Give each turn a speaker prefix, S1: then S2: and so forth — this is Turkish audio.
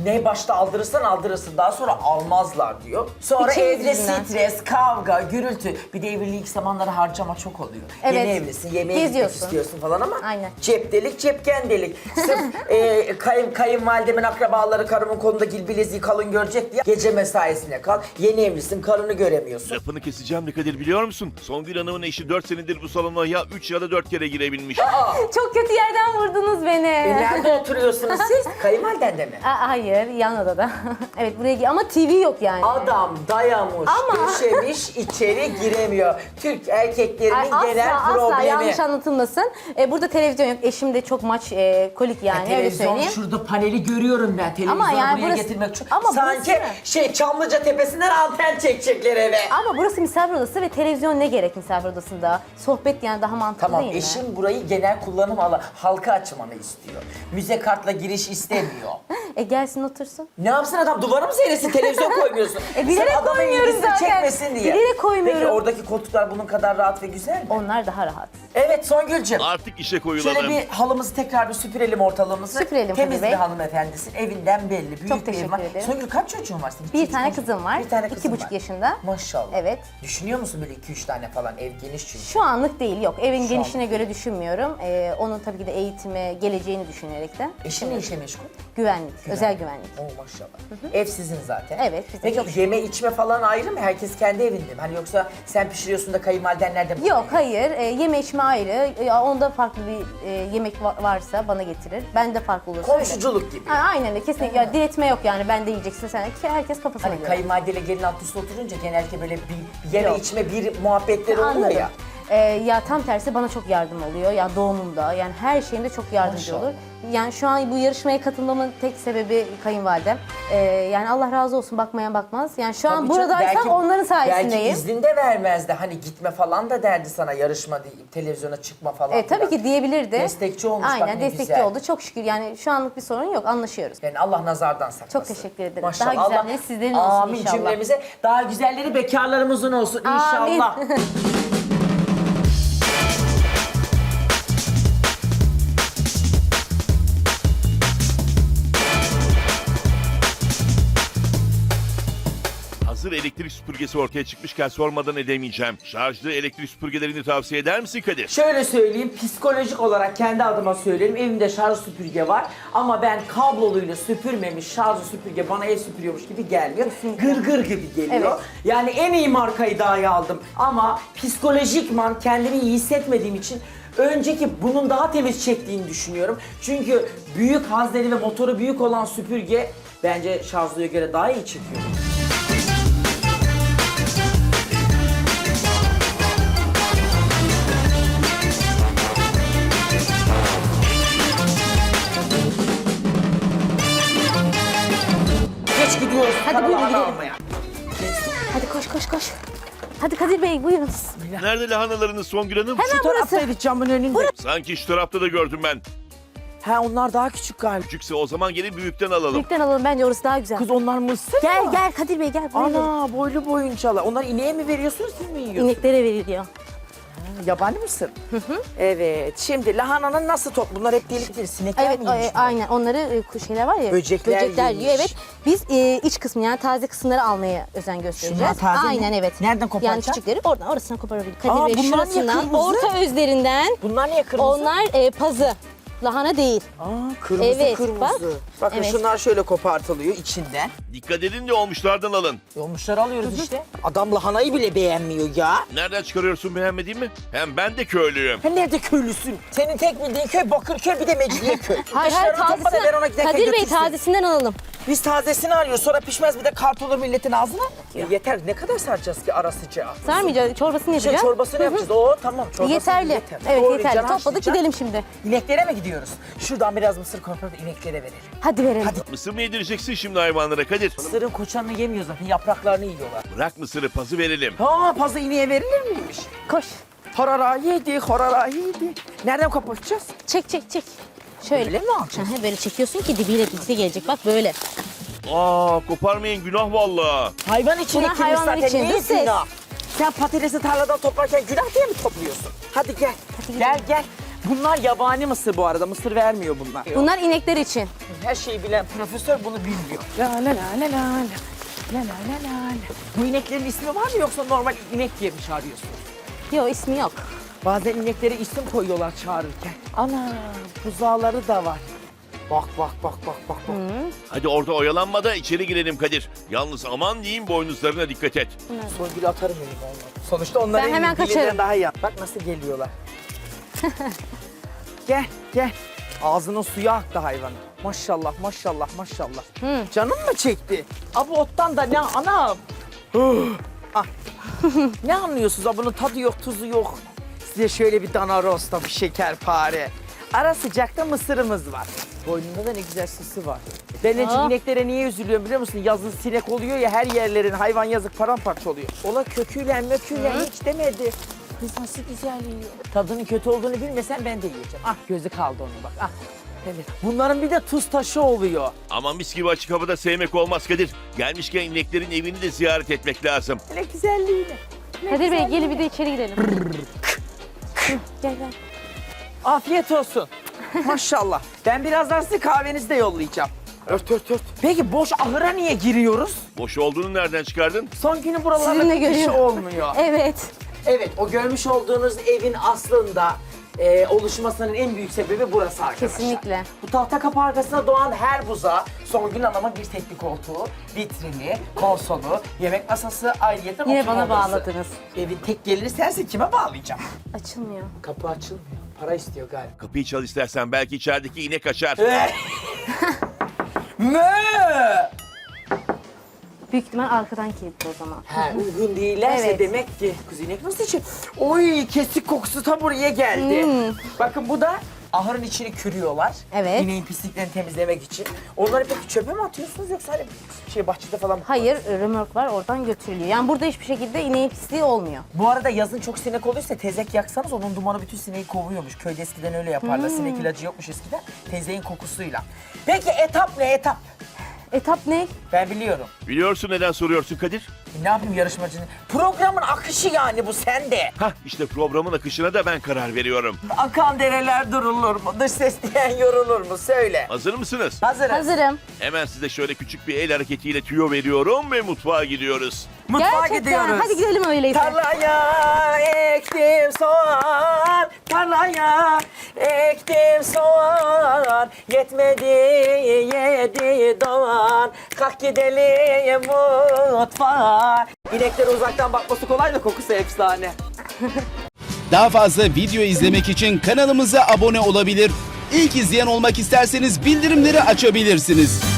S1: Ne başta aldırırsan aldırırsın, daha sonra almazlar diyor. Sonra
S2: İçimiz
S1: evde
S2: yüzünden.
S1: stres, kavga, gürültü. Bir de evliliği ilk zamanları harcama çok oluyor.
S2: Evet.
S1: Yeni evlisin, yemeğe gitmek
S2: Geziyorsun.
S1: istiyorsun falan ama
S2: Aynen.
S1: cep delik, cepken delik. Sırf kayınvalidemin akrabaları karımın kolunda gil bileziği kalın görecek diye gece mesaisine kal. Yeni evlisin, karını göremiyorsun.
S3: Lafını keseceğim ne Kadir biliyor musun? Songül Hanım'ın eşi 4 senedir bu salona ya 3 ya da 4 kere girebilmiş.
S2: Çok kötü yerden vurdunuz beni.
S1: Nerede oturuyorsunuz siz? Kayınvaliden de mi?
S2: Hayır, yan odada. Evet, buraya ama TV yok yani.
S1: Adam dayamış,
S2: Ama-
S1: döşemiş, içeri giremiyor. Türk erkeklerinin genel
S2: Asla
S1: problemi.
S2: yanlış anlatılmasın. Burada televizyon yok. Eşim de çok maç kolik yani öyle
S1: Televizyon
S2: söyleyeyim.
S1: şurada paneli görüyorum ben. Televizyonu
S2: Ama yani
S1: buraya
S2: burası-
S1: getirmek çok...
S2: ama
S1: Sanki
S2: burası-
S1: Çamlıca Tepesi'nden anten çekecekler eve.
S2: Ama burası misafir odası ve televizyon ne gerek misafir odasında? Sohbet yani daha mantıklı
S1: Tamam,
S2: değil mi?
S1: eşim burayı genel kullanım alanı, halka açmanı istiyor. Müze kartla giriş istemiyor.
S2: Gelsin otursun.
S1: Ne yapsın adam, duvara mı seyretsin, televizyon koymuyorsun?
S2: Bilerek
S1: Sen adamın
S2: koymuyorum
S1: ilgisini
S2: zaten.
S1: çekmesin diye.
S2: Bilerek koymuyorum.
S1: Peki oradaki koltuklar bunun kadar rahat ve güzel mi?
S2: Onlar daha rahat.
S1: Evet Songül'cüğüm.
S3: Artık işe koyulalım.
S1: Şöyle bir halımızı tekrar bir süpürelim ortalığımızı.
S2: Süpürelim
S1: Temiz
S2: Kadir
S1: bir
S2: Bey.
S1: hanımefendisin. Evinden belli. Büyük
S2: Çok
S1: bir
S2: teşekkür
S1: ev var.
S2: ederim.
S1: Songül kaç çocuğun var senin?
S2: Bir
S1: İki
S2: tane
S1: çocuk.
S2: kızım var.
S1: Bir tane kızım
S2: 2,5
S1: var.
S2: yaşında.
S1: Maşallah.
S2: Evet.
S1: Düşünüyor musun böyle 2-3 tane falan? Ev geniş çünkü.
S2: Şu anlık değil, yok. Evin
S1: Şu
S2: genişine
S1: anlık
S2: göre düşünmüyorum. Onun tabii ki de eğitimi, geleceğini düşünerekten.
S1: Eşin ne işe meşgul?
S2: Güvenlik, özel güvenlik.
S1: Oo maşallah. Ev sizin zaten.
S2: Evet, bizim
S1: Peki
S2: çok
S1: yeme içme falan ayrı mı? Herkes kendi evinde mi? Hani yoksa sen pişiriyorsun da kayınvaliden nerede mi?
S2: Yok, hayır. Yeme içme ayrı. Onda farklı bir yemek varsa bana getirir. Ben de farklı olursa öyle.
S1: Komşuculuk gibi.
S2: Aynen öyle, kesinlikle. Ya, diretme yok yani, ben de yiyeceksin sen. Herkes kafasına
S1: Hani
S2: göre.
S1: kayınvalideyle gelin alt üstte oturunca genellikle böyle bir yeme
S2: Yok.
S1: içme bir muhabbetleri oluyor
S2: Anladım.
S1: ya.
S2: Ya tam tersi bana çok yardım oluyor. Ya doğumumda, yani her şeyinde çok yardımcı
S1: Maşallah.
S2: olur. Yani şu an bu yarışmaya katılmamın tek sebebi kayınvalidem. Yani Allah razı olsun, bakmayan bakmaz. Yani şu an
S1: Tabii canım,
S2: buradaysam onların
S1: Belki
S2: sayesindeyim.
S1: izin de vermezdi. Hani gitme falan da derdi sana, yarışma deyip televizyona çıkma falan.
S2: Tabii ki diyebilirdi.
S1: Destekçi olmuş,
S2: Aynen,
S1: bak ne
S2: destekçi
S1: güzel.
S2: oldu. Çok şükür yani şu anlık bir sorun yok, anlaşıyoruz.
S1: Yani Allah nazardan saklasın.
S2: Çok teşekkür ederim.
S1: Maşallah.
S2: Daha güzelleri sizlerin olsun
S1: Amin
S2: inşallah.
S1: cümlemize. Daha güzelleri bekarlarımızın olsun inşallah.
S2: Amin.
S3: Hazır elektrik süpürgesi ortaya çıkmışken sormadan edemeyeceğim. Şarjlı elektrik süpürgelerini tavsiye eder misin Kadir?
S1: Şöyle söyleyeyim, psikolojik olarak kendi adıma söyleyeyim. Evimde şarj süpürge var ama ben kabloluyla süpürmemiş şarjlı süpürge bana ev süpürüyormuş gibi gelmiyor. Gırgır gibi geliyor.
S2: Evet.
S1: Yani en iyi markayı dahi aldım ama psikolojikman kendimi iyi hissetmediğim için önceki bunun daha temiz çektiğini düşünüyorum. Çünkü büyük hazneli ve motoru büyük olan süpürge bence şarjlıya göre daha iyi çekiyor. Geç gidiyoruz.
S2: Hadi
S1: paraları
S2: buyurun gidelim.
S1: almaya.
S2: Hadi koş koş koş. Hadi Kadir Bey, buyurun.
S3: Nerede lahanalarınız Songül Hanım?
S2: Hemen
S1: Şu taraftaydı camın önünde.
S3: Sanki şu tarafta da gördüm ben.
S1: Ha onlar daha küçük galiba.
S3: Küçükse o zaman gelin büyükten alalım.
S2: Büyükten alalım, bence orası daha güzel.
S1: Kız onlar mısır
S2: Gel
S1: mı?
S2: gel Kadir Bey, gel. Buyurun.
S1: Ana boylu boyuncalar. Onlar ineğe mi veriyorsunuz, siz mi yiyorsunuz?
S2: İneklere veriliyor.
S1: Yabani mısır? Evet. Şimdi lahananın nasıl top? Bunlar hep delik değil. Sinekler
S2: Evet,
S1: mi yemiş?
S2: aynen. Onları şeyler var ya.
S1: Böcekler
S2: yiyor.
S1: yemiş.
S2: Evet. Biz iç kısmı, yani taze kısımları almaya özen göstereceğiz.
S1: Şunlar taze mi?
S2: Aynen, evet.
S1: Nereden
S2: Yani
S1: koparacağız?
S2: küçükleri oradan, orasına koparabilir. Kadir
S1: Aa,
S2: Bey,
S1: bunlar niye
S2: şurasından,
S1: kırmızı?
S2: orta özlerinden.
S1: Bunlar niye kırmızı?
S2: Onlar pazı. Lahana değil.
S1: Aa, kırmızı
S2: Evet,
S1: kırmızı.
S2: bak.
S1: Bakın
S2: Evet.
S1: şunlar şöyle kopartılıyor içinden.
S3: Dikkat edin de olmuşlardan alın.
S1: Olmuşları alıyoruz işte. Adam lahanayı bile beğenmiyor ya.
S3: Nereden çıkarıyorsun beğenmediğin mi? Hem ben de köylüyüm.
S1: Sen nerede köylüsün? Senin tek bildiğin köy Bakırköy, bir de Mecidiyeköy.
S2: Hayır,
S1: Dışarıda topla da ver ona giderken
S2: Kadir Bey,
S1: götürsün.
S2: tazesinden alalım.
S1: Biz tazesini arıyoruz, sonra pişmez bir de kart olur milletin ağzına. Yeter, ne kadar saracağız ki ara sıcağı?
S2: Sarmayacağız, çorbasını yapacağız.
S1: Çorbasını yapacağız. Oo tamam, çorbasını
S2: Yeterli.
S1: yeter.
S2: Evet,
S1: Doğru,
S2: yeterli.
S1: can
S2: Topladık,
S1: haşlayacağız.
S2: gidelim şimdi.
S1: İneklere mi gidiyoruz? Şuradan biraz mısır koparıp ineklere verelim.
S2: Hadi verelim.
S3: Mısır mı yedireceksin şimdi hayvanlara Kadir?
S1: Mısırın koçanını yemiyor zaten, yapraklarını yiyorlar.
S3: Bırak mısırı pazı verelim.
S1: Ha, pazı ineğe verilir miymiş?
S2: Koş.
S1: Horara yedi, horara yedi. Nereden koparacağız?
S2: Çek çek çek. Şöyle.
S1: Böyle mi alacağız?
S2: Aha, böyle çekiyorsun ki dibiyle birlikte gelecek. Bak böyle.
S3: Aa koparmayın günah valla.
S1: Hayvan için
S2: Bunlar
S1: ekilmiş
S2: hayvanlar
S1: zaten.
S2: için,
S1: Niye
S2: değil mi?
S1: günah? Sen patatesi tarladan toplarken günah diye mi topluyorsun? Hadi gel.
S2: Hadi
S1: gel gel. Bunlar yabani mısır bu arada. Mısır vermiyor bunlar.
S2: Bunlar inekler için.
S1: Her şeyi bilen profesör bunu bilmiyor. La la la la la la. La la la la la. Bu ineklerin ismi var mı yoksa normal inek diye mi çağırıyorsun?
S2: Yok, ismi yok.
S1: Bazen ineklere isim koyuyorlar çağırırken. Ana buzağları da var. Bak bak bak bak bak. bak.
S3: Hadi orada oyalanma da içeri girelim Kadir. Yalnız aman diyeyim boynuzlarına dikkat et.
S1: Songül'ü atarım elim olmadı. Sonuçta onlar
S2: Ben hemen kaçarım.
S1: daha iyi. Bak nasıl geliyorlar. Gel gel. Ağzının suyu aktı hayvanın. Maşallah maşallah maşallah. Canım mı çekti? Abi ottan da ne anam? Ah. Ne anlıyorsunuz? Abi bunun tadı yok, tuzu yok. Size şöyle bir dana rosta, bir şekerpare. Ara sıcakta mısırımız var. Boynunda da ne güzel süsü var. Ben en çok
S2: Aa.
S1: ineklere niye üzülüyorum biliyor musun? Yazın sinek oluyor ya, her yerlerin hayvan yazık paramparça oluyor. Ola köküyle möküyle hiç demedi. Kız nasıl güzel yiyor. Tadının kötü olduğunu bilmesen ben de yiyeceğim. Ah gözü kaldı onun bak. Ah. Evet. Bunların bir de tuz taşı oluyor.
S3: Ama mis gibi açık havada sevmek olmaz Kadir. Gelmişken ineklerin evini de ziyaret etmek lazım.
S1: Ne güzelliğine.
S2: Kadir Bey gelin bir de içeri girelim. Hı, gel gel.
S1: Afiyet olsun. Maşallah. Ben birazdan size kahvenizi de yollayacağım. Ört ört ört. Peki boş ahıra niye giriyoruz?
S3: Boş olduğunu nereden çıkardın?
S1: Son günü buralarda
S2: Sizinle
S1: bir kişi
S2: görüyorum.
S1: olmuyor.
S2: Evet.
S1: Evet, o görmüş olduğunuz evin aslında oluşmasının en büyük sebebi burası arkadaşlar.
S2: Kesinlikle.
S1: Bu tahta kapı arkasına doğan her buza Songül Hanım'ın bir teknik koltuğu, vitrini, konsolu, yemek masası, ayrıyeten
S2: Yine
S1: oturma
S2: bana
S1: odası.
S2: bağladınız.
S1: Evin tek geliri sensin, kime bağlayacağım?
S2: Açılmıyor.
S1: Kapı açılmıyor. Para istiyor galiba.
S3: Kapıyı çal istersen belki içerideki inek açar.
S1: Mö!
S2: Büyük ihtimal arkadan kilitli o zaman.
S1: Ha, uygun değillerse
S2: Evet.
S1: demek ki kız inek nasıl için? Oy kesik kokusu ta buraya geldi. Bakın bu da ahırın içini kürüyorlar.
S2: Evet.
S1: İneğin pisliklerini temizlemek için. Onları peki çöpe mi atıyorsunuz yoksa hani bahçede falan mı?
S2: Hayır, römork var oradan götürülüyor. Yani burada hiçbir şekilde ineğin pisliği olmuyor.
S1: Bu arada yazın çok sinek oluyorsa tezek yaksanız onun dumanı bütün sineği kovuyormuş. Köyde eskiden öyle yaparlar. Sinek ilacı yokmuş eskiden. Tezeğin kokusuyla. Peki etap ne etap?
S2: Etap ne?
S1: Ben biliyorum.
S3: Biliyorsun neden soruyorsun Kadir?
S1: Ne yapayım yarışmacının? Programın akışı yani bu sende.
S3: Hah işte programın akışına da ben karar veriyorum.
S1: Akan dereler durulur mu? Dış ses diyen yorulur mu? Söyle.
S3: Hazır mısınız?
S1: Hazırız.
S2: Hazırım.
S3: Hemen size şöyle küçük bir el hareketiyle tüyo veriyorum ve mutfağa gidiyoruz.
S1: Mutfağa
S2: Gerçekten.
S1: gidiyoruz.
S2: Hadi gidelim öyleyse.
S1: Tarlaya ektim soğan, tarlaya ektim soğan, yetmedi yedi doğan, kalk gidelim mutfağa. İneklere uzaktan bakması kolay da kokusu efsane.
S4: Daha fazla video izlemek için kanalımıza abone olabilir. İlk izleyen olmak isterseniz bildirimleri açabilirsiniz.